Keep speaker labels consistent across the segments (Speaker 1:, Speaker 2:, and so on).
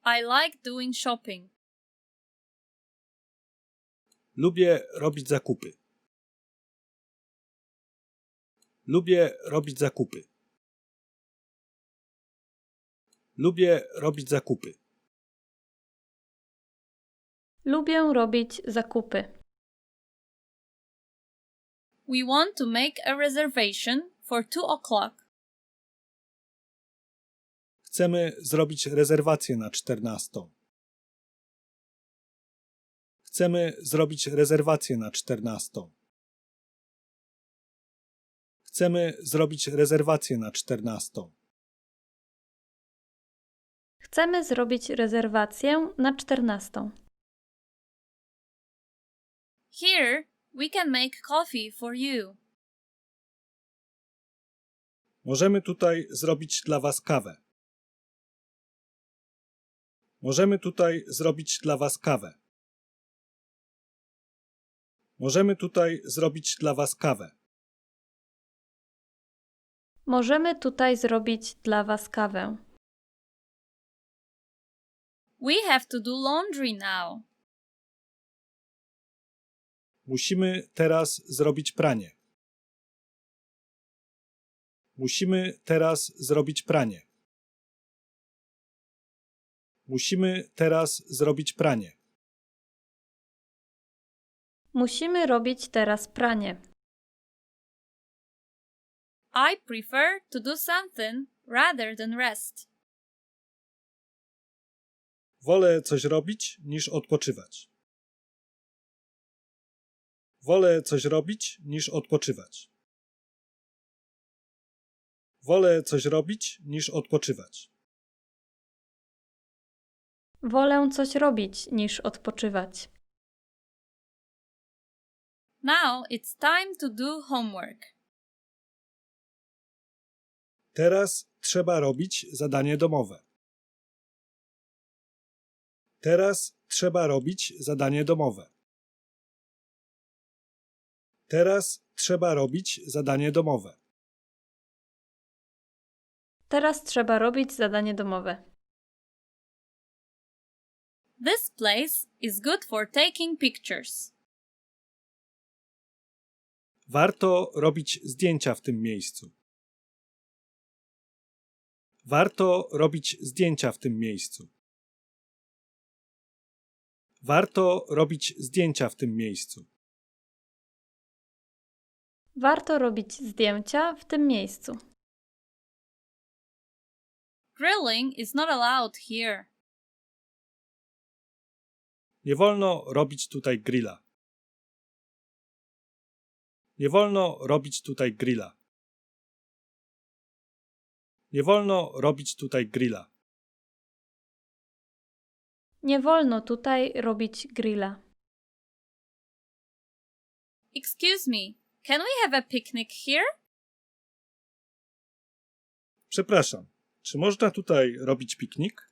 Speaker 1: I like doing shopping.
Speaker 2: Lubię robić zakupy. Lubię robić zakupy. Lubię robić zakupy.
Speaker 3: Lubię robić zakupy.
Speaker 1: We want to make a reservation for 2:00.
Speaker 2: Chcemy zrobić rezerwację na 14. Chcemy zrobić rezerwację na 14. Chcemy zrobić rezerwację na 14.
Speaker 3: Chcemy zrobić rezerwację na 14.
Speaker 1: Here, we can make coffee for you.
Speaker 2: Możemy tutaj zrobić dla was kawę. Możemy tutaj zrobić dla was kawę. Możemy tutaj zrobić dla was kawę.
Speaker 3: Możemy tutaj zrobić dla was kawę.
Speaker 1: We have to do laundry now.
Speaker 2: Musimy teraz zrobić pranie. Musimy teraz zrobić pranie. Musimy teraz zrobić pranie.
Speaker 3: Musimy robić teraz pranie.
Speaker 1: I prefer to do something rather than rest.
Speaker 2: Wolę coś robić niż odpoczywać. Wolę coś robić niż odpoczywać. Wolę coś robić niż odpoczywać.
Speaker 3: Wolę coś robić niż odpoczywać.
Speaker 1: Now it's time to do homework.
Speaker 2: Teraz trzeba robić zadanie domowe. Teraz trzeba robić zadanie domowe. Teraz trzeba robić zadanie domowe.
Speaker 3: Teraz trzeba robić zadanie domowe.
Speaker 1: This place is good for taking pictures.
Speaker 2: Warto robić zdjęcia w tym miejscu. Warto robić zdjęcia w tym miejscu. Warto robić zdjęcia w tym miejscu.
Speaker 3: Warto robić zdjęcia w tym miejscu.
Speaker 1: Grilling is not allowed here.
Speaker 2: Nie wolno robić tutaj grilla. Nie wolno robić tutaj grilla. Nie wolno robić tutaj grilla.
Speaker 3: Nie wolno tutaj robić grilla.
Speaker 1: Excuse me, can we have a picnic here?
Speaker 2: Przepraszam, czy można tutaj robić piknik?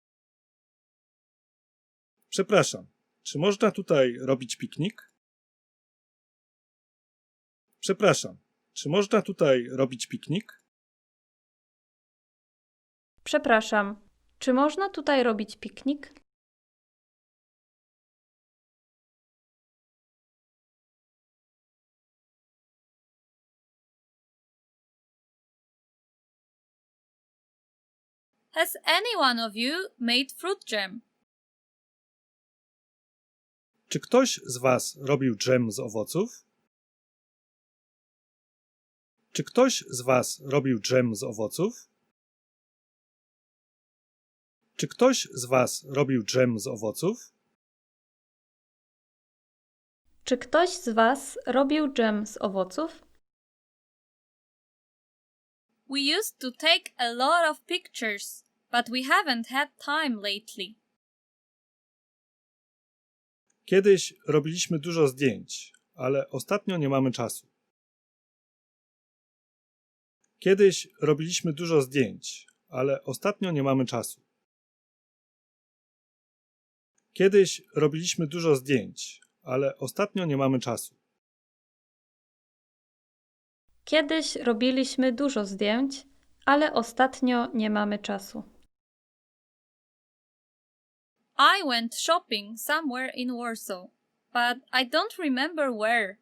Speaker 2: Przepraszam, czy można tutaj robić piknik? Przepraszam, czy można tutaj robić piknik?
Speaker 3: Przepraszam, czy można tutaj robić piknik?
Speaker 1: Has any one of you made fruit jam?
Speaker 2: Czy ktoś z was robił dżem z owoców? Czy ktoś z was robił dżem z owoców? Czy ktoś z was robił dżem z owoców?
Speaker 3: Czy ktoś z was robił dżem z owoców?
Speaker 1: We used to take a lot of pictures, but we haven't had time lately.
Speaker 2: Kiedyś robiliśmy dużo zdjęć, ale ostatnio nie mamy czasu. Kiedyś robiliśmy dużo zdjęć, ale ostatnio nie mamy czasu. Kiedyś robiliśmy dużo zdjęć, ale ostatnio nie mamy czasu.
Speaker 3: Kiedyś robiliśmy dużo zdjęć, ale ostatnio nie mamy czasu.
Speaker 1: I went shopping somewhere in Warsaw, but I don't remember where.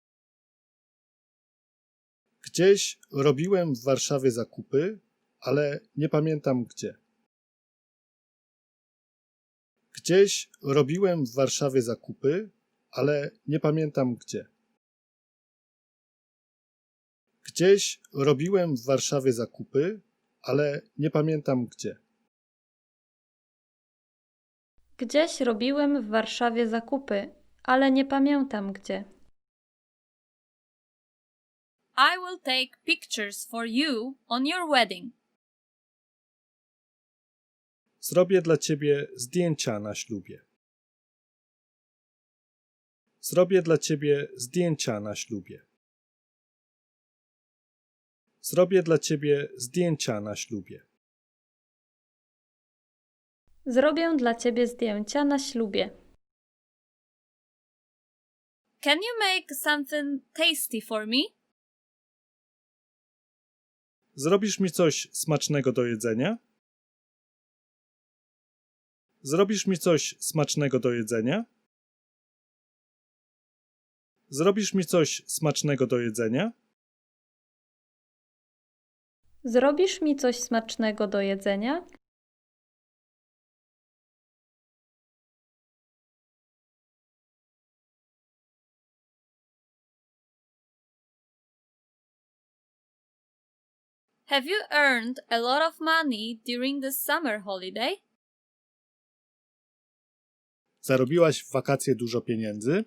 Speaker 2: Gdzieś robiłem w Warszawie zakupy, ale nie pamiętam gdzie. Gdzieś robiłem w Warszawie zakupy, ale nie pamiętam gdzie. Gdzieś robiłem w Warszawie zakupy, ale nie pamiętam gdzie.
Speaker 3: Gdzieś robiłem w Warszawie zakupy, ale nie pamiętam gdzie.
Speaker 1: I will take pictures for you on your wedding.
Speaker 2: Zrobię dla ciebie zdjęcia na ślubie. Zrobię dla ciebie zdjęcia na ślubie. Zrobię dla ciebie zdjęcia na ślubie.
Speaker 3: Zrobię dla ciebie zdjęcia na ślubie.
Speaker 1: Can you make something tasty for me?
Speaker 2: Zrobisz mi coś smacznego do jedzenia? Zrobisz mi coś smacznego do jedzenia? Zrobisz mi coś smacznego do jedzenia?
Speaker 3: Zrobisz mi coś smacznego do jedzenia?
Speaker 1: Have you earned a lot of money during the summer holiday?
Speaker 2: Zarobiłaś w wakacje dużo pieniędzy?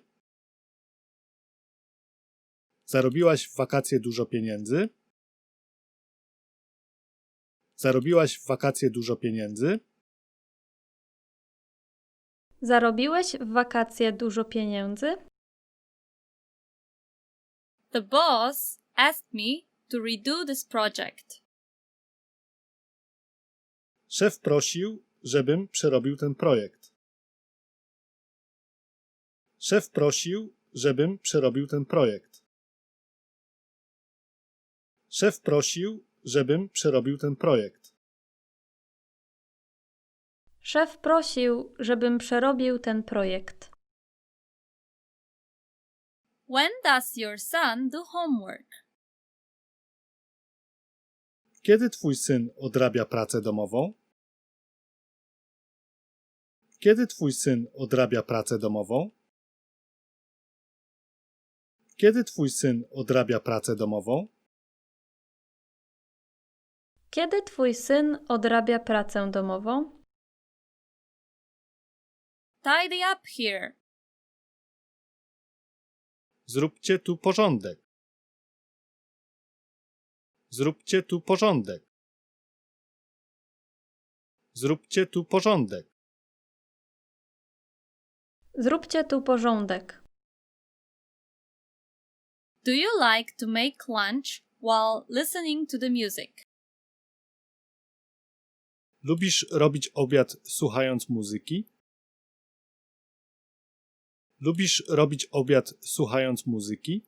Speaker 2: Zarobiłaś w wakacje dużo pieniędzy? Zarobiłaś w wakacje dużo pieniędzy?
Speaker 3: Zarobiłeś w wakacje dużo pieniędzy?
Speaker 1: The boss asked me to redo this project.
Speaker 2: Szef prosił, żebym przerobił ten projekt. Szef prosił, żebym przerobił ten projekt. Szef prosił, żebym przerobił ten projekt.
Speaker 3: Szef prosił, żebym przerobił ten projekt.
Speaker 1: When does your son do homework?
Speaker 2: Kiedy twój syn odrabia pracę domową? Kiedy twój syn odrabia pracę domową? Kiedy twój syn odrabia pracę domową?
Speaker 3: Kiedy twój syn odrabia pracę domową?
Speaker 1: Tidy up here.
Speaker 2: Zróbcie tu porządek. Zróbcie tu porządek. Zróbcie tu porządek.
Speaker 3: Zróbcie tu porządek.
Speaker 1: Do you like to make lunch while listening to the music?
Speaker 2: Lubisz robić obiad słuchając muzyki? Lubisz robić obiad słuchając muzyki?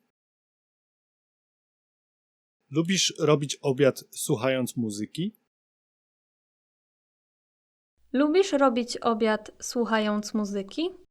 Speaker 2: Lubisz robić obiad słuchając muzyki?
Speaker 3: Lubisz robić obiad słuchając muzyki?